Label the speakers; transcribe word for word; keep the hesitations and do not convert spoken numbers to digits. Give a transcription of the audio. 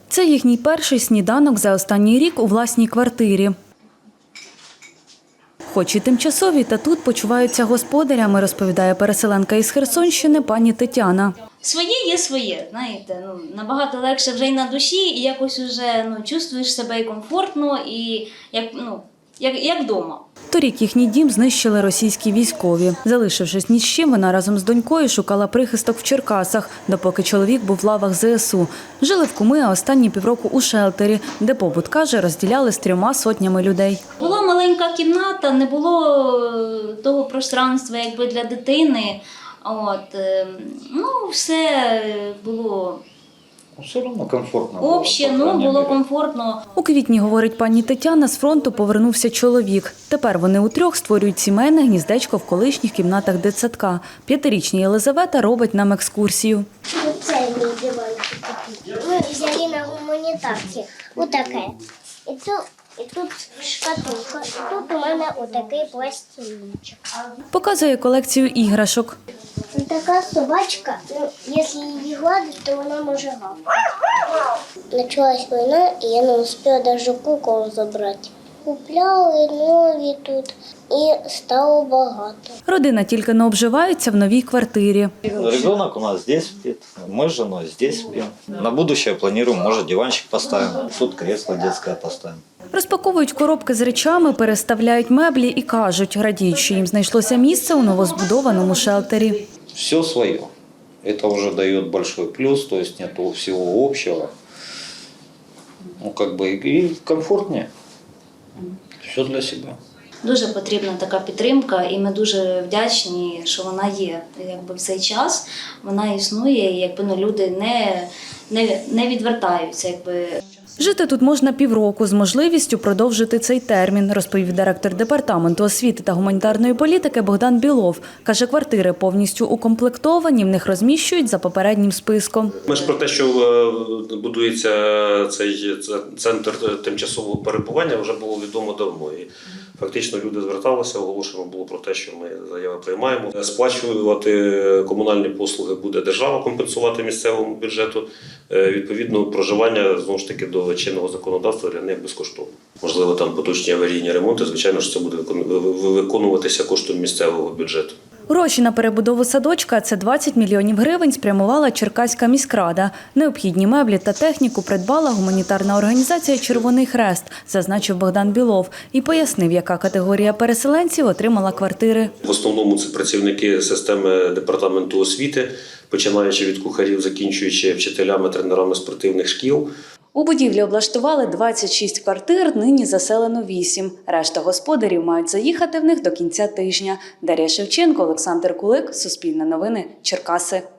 Speaker 1: Це їхній перший сніданок за останній рік у власній квартирі. Хоч і тимчасові, та тут почуваються господарями, розповідає переселенка із Херсонщини пані Тетяна.
Speaker 2: Своє є своє, знаєте, ну, набагато легше вже й на душі, і якось вже ну, чувствуєш себе і комфортно, і як, ну, як, як вдома.
Speaker 1: Торік їхній дім знищили російські військові. Залишившись ні з чим, вона разом з донькою шукала прихисток в Черкасах, допоки чоловік був в лавах зе ес у. Жили в Куми, а останні півроку у шелтері, де побут, каже, розділяли з трьома сотнями людей.
Speaker 2: Була маленька кімната, не було того пространства якби для дитини. От, ну, все було
Speaker 3: все одно комфортно.
Speaker 2: обще, ну, було комфортно.
Speaker 1: У квітні, говорить пані Тетяна, з фронту повернувся чоловік. Тепер вони утрьох створюють сімейне гніздечко в колишніх кімнатах дитсадка. П'ятирічна Єлизавета робить нам екскурсію.
Speaker 4: Це мій диванчик такий. Ми взяли на гуманітарці. Отаке. І тут, і тут шкатулка. І тут у мене отакий пластинчик.
Speaker 1: Показує колекцію іграшок.
Speaker 4: Така собачка, ну, якщо її гладити, то вона може гавкати. Почалась війна, і я не встигла навіть кукол забрати. Купляли нові тут і стало багато.
Speaker 1: Родина тільки не обживається в новій квартирі.
Speaker 3: Ребенок у нас здесь спит, мы с женой здесь спим. На будущее планируем, может, диванчик поставим, тут кресло детское поставим.
Speaker 1: Розпаковують коробки з речами, переставляють меблі і кажуть, радіють, що їм знайшлося місце у новозбудованому шелтері.
Speaker 3: Все свое. Это уже дает большой плюс, то есть нету всего общего. Ну, как бы и комфортнее. Все для себя.
Speaker 2: Дуже потрібна така підтримка, і ми дуже вдячні, що вона є. Якби в цей час вона існує, і якби ну, люди не, не, не відвертаються. Якби.
Speaker 1: Жити тут можна півроку з можливістю продовжити цей термін, розповів директор департаменту освіти та гуманітарної політики Богдан Білов. Каже, квартири повністю укомплектовані, в них розміщують за попереднім списком.
Speaker 5: Ми ж про те, що будується цей центр тимчасового перебування, вже було відомо давно. І фактично люди зверталися, оголошено було про те, що ми заяви приймаємо. Сплачувати комунальні послуги буде держава, компенсувати місцевому бюджету. Відповідно, проживання, знову ж таки, до чинного законодавства для них безкоштовно. Можливо, там поточні аварійні ремонти, звичайно ж, це буде виконуватися коштом місцевого бюджету.
Speaker 1: Гроші на перебудову садочка – це двадцять мільйонів гривень спрямувала Черкаська міськрада. Необхідні меблі та техніку придбала гуманітарна організація «Червоний Хрест», зазначив Богдан Білов. І пояснив, яка категорія переселенців отримала квартири.
Speaker 5: В основному це працівники системи департаменту освіти, починаючи від кухарів, закінчуючи вчителями, тренерами спортивних шкіл.
Speaker 1: У будівлі облаштували двадцять шість квартир, нині заселено вісім. Решта господарів мають заїхати в них до кінця тижня. Дар'я Шевченко, Олександр Кулик, Суспільне новини, Черкаси.